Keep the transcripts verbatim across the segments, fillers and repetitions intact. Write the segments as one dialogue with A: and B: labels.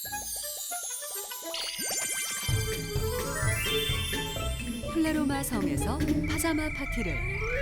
A: 플레로마 성에서 파자마 파티를.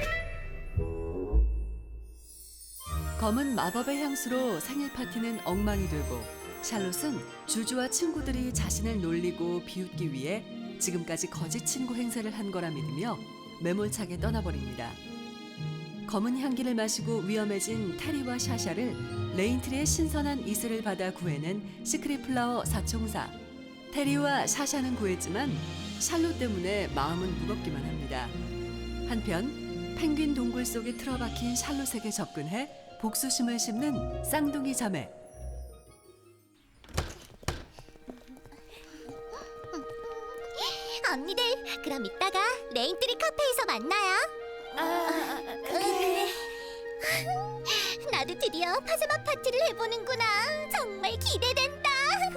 A: 검은 마법의 향수로 생일 파티는 엉망이 되고 샬롯은 주주와 친구들이 자신을 놀리고 비웃기 위해 지금까지 거짓 친구 행세를 한 거라 믿으며 매몰차게 떠나버립니다. 검은 향기를 마시고 위험해진 테리와 샤샤를 레인트리의 신선한 이슬을 받아 구해낸 시크릿 플라워 사총사. 테리와 샤샤는 구했지만 샬롯 때문에 마음은 무겁기만 합니다. 한편 펭귄 동굴 속에 틀어박힌 샬롯에게 접근해 복수심을 심는 쌍둥이 자매.
B: 언니들, 그럼 이따가 레인트리 카페에서 만나요. 아, 그래. 나도 드디어 파자마 파티를 해보는구나. 정말 기대된다.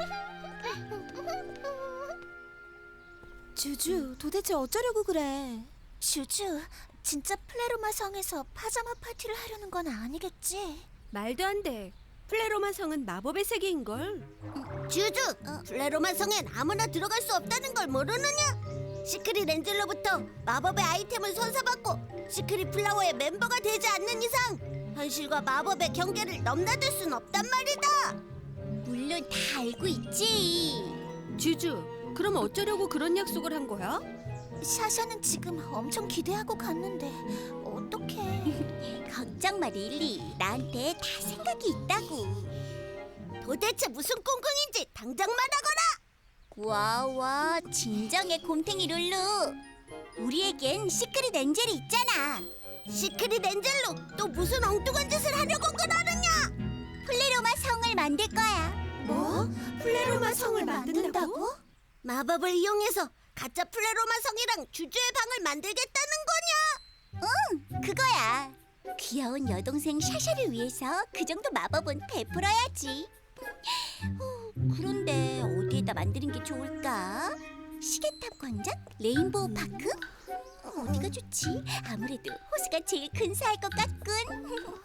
C: 주주, 도대체 어쩌려고 그래? 주주, 진짜 플레로마 성에서 파자마 파티를 하려는 건 아니겠지?
D: 말도 안 돼. 플레로마 성은 마법의 세계인걸.
B: 주주, 플레로마 성엔 아무나 들어갈 수 없다는 걸 모르느냐? 시크릿 엔젤로부터 마법의 아이템을 선사받고 시크릿 플라워의 멤버가 되지 않는 이상 현실과 마법의 경계를 넘나들 순 없단 말이다. 물론 다 알고 있지.
D: 주주, 그럼 어쩌려고 그런 약속을 한 거야?
C: 샤샤는 지금 엄청 기대하고 갔는데 어떡해.
B: 걱정 마, 릴리. 나한테 다 생각이 있다고. 도대체 무슨 꿍꿍인지 당장 말하거라. 와와, 진정해 곰탱이 룰루. 우리에겐 시크릿 엔젤이 있잖아. 시크릿 엔젤로 또 무슨 엉뚱한 짓을 하려고 그러느냐? 플레로마 성을 만들 거야.
C: 뭐? 플레로마 성을 만든다고?
B: 마법을 이용해서 가짜 플레로마 성이랑 주주의 방을 만들겠다는 거냐? 응, 그거야. 귀여운 여동생 샤샤를 위해서 그 정도 마법은 베풀어야지. 어, 그런데 어디에다 만드는 게 좋을까? 시계탑 광장? 레인보우 파크? 어디가 좋지? 아무래도 호수가 제일 근사할 것 같군.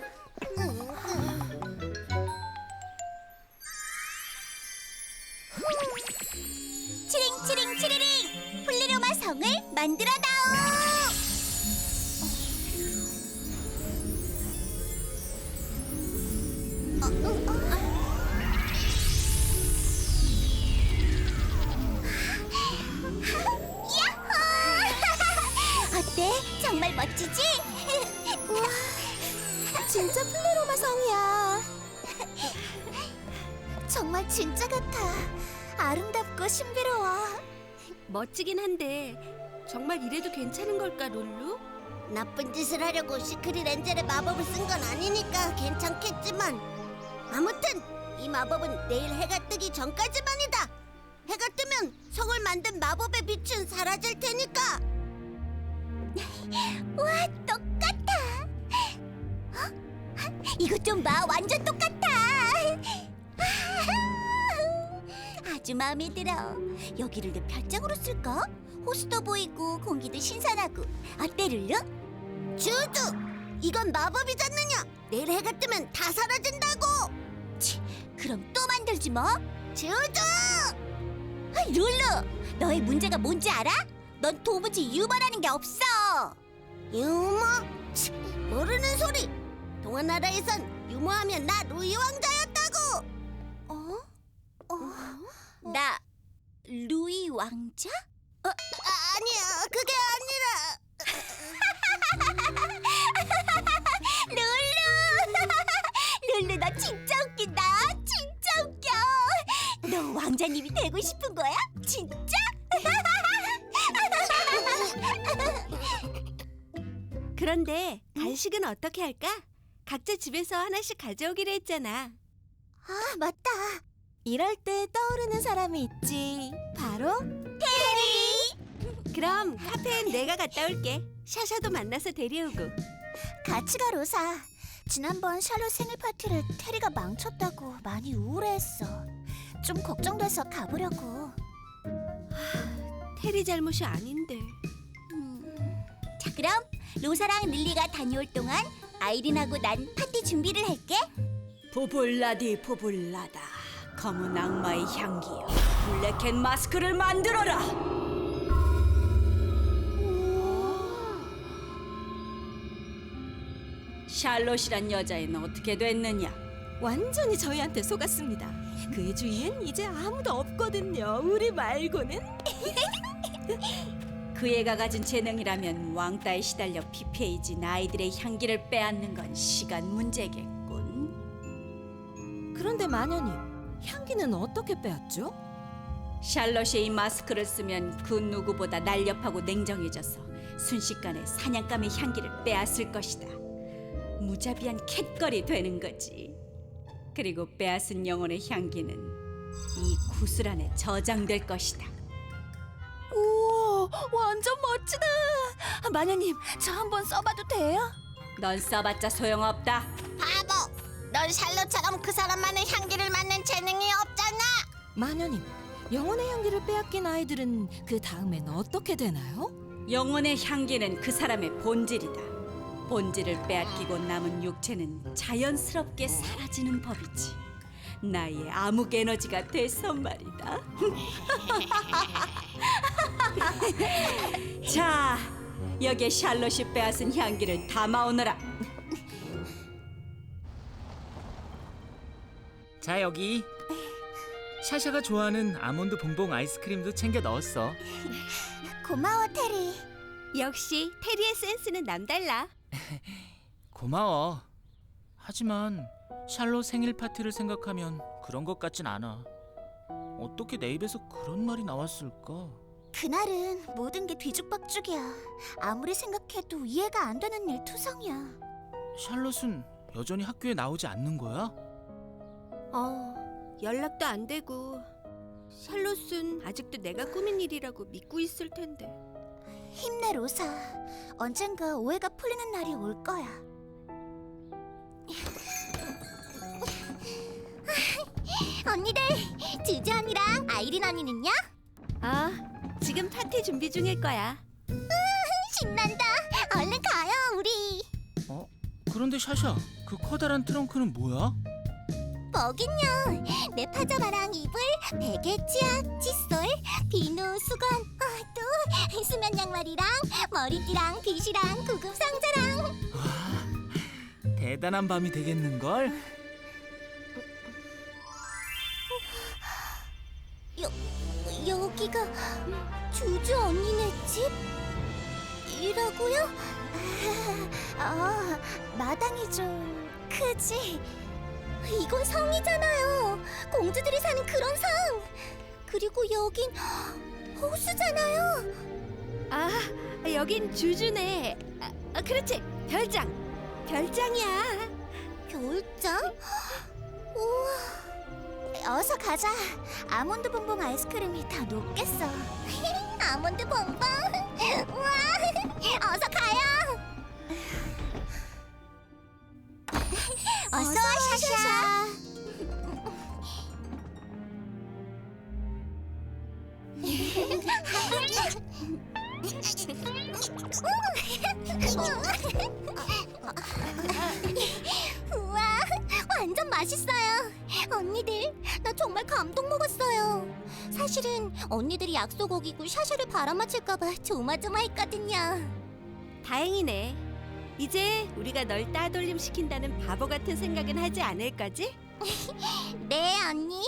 B: 치링 치링 치리링, 플레로마 성을 만들어다오. 어, 어, 어. 야호! 어때? 정말 멋지지?
C: 우와, 진짜 플레로마 성이야. 정말 진짜 같아. 아름답고 신비로워.
D: 멋지긴 한데 정말 이래도 괜찮은 걸까, 룰루?
B: 나쁜 짓을 하려고 시크릿 엔젤의 마법을 쓴 건 아니니까 괜찮겠지만, 아무튼 이 마법은 내일 해가 뜨기 전까지만이다. 해가 뜨면 성을 만든 마법의 빛은 사라질 테니까. 와, 똑같아. 어? 이것 좀 봐, 완전 똑같아. 아주 마음에 들어. 여기를 내 별장으로 쓸까? 호수도 보이고 공기도 신선하고. 어때, 룰루? 주주! 이건 마법이잖느냐? 내일 해가 뜨면 다 사라진다고! 치, 그럼 또 만들지 뭐? 주주! 아, 룰루! 너의 문제가 뭔지 알아? 넌 도무지 유머라는 게 없어! 유머? 치, 모르는 소리! 동화나라에선 유머하면 나 루이 왕자였다고!
C: 어? 어?
B: 나 루이 왕자? 어, 아, 아니야, 그게 아니라. 룰루, 룰루 너 진짜 웃긴다. 진짜 웃겨. 너 왕자님이 되고 싶은 거야? 진짜?
D: 그런데 간식은 어떻게 할까? 각자 집에서 하나씩 가져오기로 했잖아.
C: 아, 맞다. 이럴 때 떠오르는 사람이 있지. 바로
B: 테리.
D: 그럼 카페엔 내가 갔다 올게. 샤샤도 만나서 데려오고.
C: 같이 가, 로사. 지난번 샬롯 생일 파티를 테리가 망쳤다고 많이 우울해했어. 좀 걱정돼서 가보려고.
D: 테리 잘못이 아닌데.
B: 음, 자, 그럼 로사랑 릴리가 다녀올 동안 아이린하고 난 파티 준비를 할게.
E: 포볼라디 포볼라다.
D: 검은 악마의 향기여, 블랙캣 마스크를 만들어라. 샬롯이란 여자애는 어떻게 됐느냐?
E: 완전히 저희한테 속았습니다. 그의 주위엔 이제 아무도 없거든요. 우리 말고는.
D: 그 애가 가진 재능이라면 왕따에 시달려 피폐해진 아이들의 향기를 빼앗는 건 시간 문제겠군.
E: 그런데 마녀님, 향기는 어떻게 빼앗죠?
D: 샬롯이 이 마스크를 쓰면 그 누구보다 날렵하고 냉정해져서 순식간에 사냥감의 향기를 빼앗을 것이다. 무자비한 캣걸이 되는 거지. 그리고 빼앗은 영혼의 향기는 이 구슬 안에 저장될 것이다.
E: 우와, 완전 멋지다. 아, 마녀님, 저 한번 써봐도 돼요?
D: 넌 써봤자 소용없다.
B: 바보! 넌 샬롯처럼 그 사람만의 향기를 맡는 재능이 없잖아.
E: 마녀님, 영혼의 향기를 빼앗긴 아이들은 그 다음엔 어떻게 되나요?
D: 영혼의 향기는 그 사람의 본질이다. 본질을 빼앗기고 남은 육체는 자연스럽게 사라지는 법이지. 나의 암흑 에너지가 돼서 말이다. 자, 여기에 샬롯이 빼앗은 향기를 담아오너라.
F: 자, 여기 샤샤가 좋아하는 아몬드 봉봉 아이스크림도 챙겨 넣었어.
C: 고마워, 테리.
D: 역시 테리의 센스는 남달라.
F: 고마워. 하지만 샬롯 생일 파티를 생각하면 그런 것 같진 않아. 어떻게 내 입에서 그런 말이 나왔을까?
C: 그날은 모든 게 뒤죽박죽이야. 아무리 생각해도 이해가 안 되는 일 투성이야.
F: 샬롯은 여전히 학교에 나오지 않는 거야?
D: 어, 연락도 안 되고 샬롯은 아직도 내가 꾸민 일이라고 믿고 있을 텐데.
C: 힘내, 로사. 언젠가 오해가 풀리는 날이 올 거야.
B: 언니들, 주주 언니랑 아이린 언니는요?
D: 아, 지금 파티 준비 중일 거야.
B: 신난다. 얼른 가요, 우리.
F: 어? 그런데 샤샤, 그 커다란 트렁크는 뭐야?
B: 뭐긴요. 내 파자마랑 이불, 베개, 치약, 칫솔, 비누, 수건, 아, 또 수면 양말이랑 머리띠랑 빗이랑 구급 상자랑.
F: 대단한 밤이 되겠는걸?
B: 여, 여기가 주주 언니네 집? 이라고요?
C: 아, 마당이 좀 크지?
B: 이건 성이잖아요. 공주들이 사는 그런 성. 그리고 여긴 호수잖아요.
D: 아, 여긴 주주네. 아, 아, 그렇지. 별장. 별장이야.
B: 별장? 우와.
C: 어서 가자. 아몬드 봉봉 아이스크림이 다 녹겠어.
B: 아몬드 봉봉. 우와. 어서 가요. 어서 와, 샤샤. 우와, 완전 맛있어요. 언니들, 나 정말 감동 먹었어요. 사실은 언니들이 약속 어기고 샤샤를 바람맞힐까봐 조마조마했거든요.
D: 다행이네. 이제 우리가 널 따돌림 시킨다는 바보 같은 생각은 하지 않을 거지?
B: 네, 언니.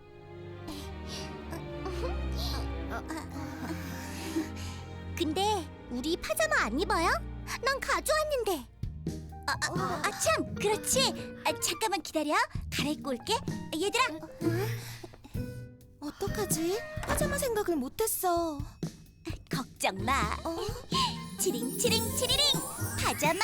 B: 근데 우리 파자마 안 입어요? 난 가져왔는데. 아, 아, 아, 참, 그렇지. 아, 잠깐만 기다려. 갈아입고 올게. 얘들아.
C: 어떡하지? 파자마 생각을 못했어.
B: 걱정 마. 치링 치링 치리링 파자마.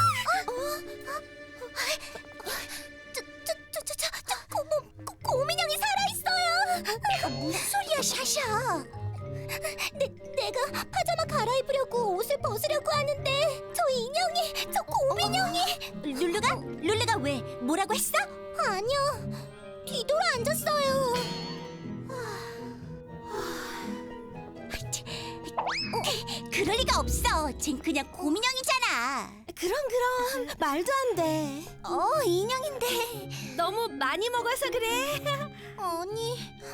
B: 저저저저저 고모 고민형이 살아 있어요. 무슨 소리야, 샤샤? 내 내가 파자마 갈아입으려고 옷을 벗으려고 하는데 저 인형이, 저 고민형이. 룰루가 룰루가 왜 뭐라고 했어? 아니요, 뒤돌아 앉았어요. 어, 그럴 리가 없어. 쟨 그냥 고민형이잖아.
C: 그럼 그럼 말도 안 돼. 어, 인형인데.
D: 너무 많이 먹어서 그래.
B: 어,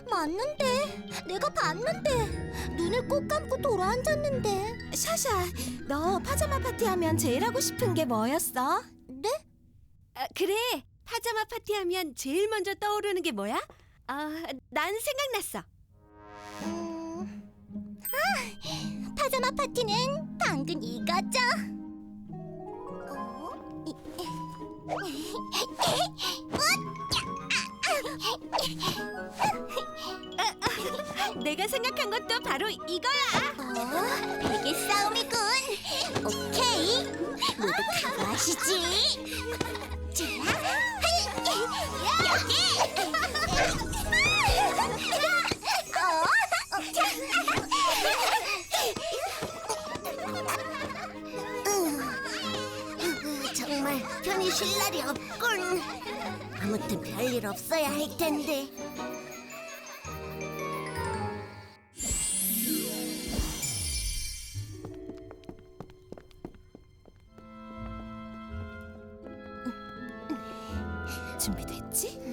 C: 맞는데 내가 봤는데 눈을 꼭 감고 돌아앉았는데. 샤샤, 너 파자마 파티하면 제일 하고 싶은 게 뭐였어?
E: 네? 아, 그래. 파자마 파티하면 제일 먼저 떠오르는 게 뭐야? 아, 난 생각났어.
C: 음... 아, 파자마 파티는 당근 이거죠. 어?
E: 내가 생각한 것도 바로 이거야.
C: 어? 베개 싸움이군. 오케이, 모두 각오하시지. 자, 여기. 어? 정말 편히 쉴 날이 없군. 아무튼 별일 없어야 할 텐데.
E: 준비됐지?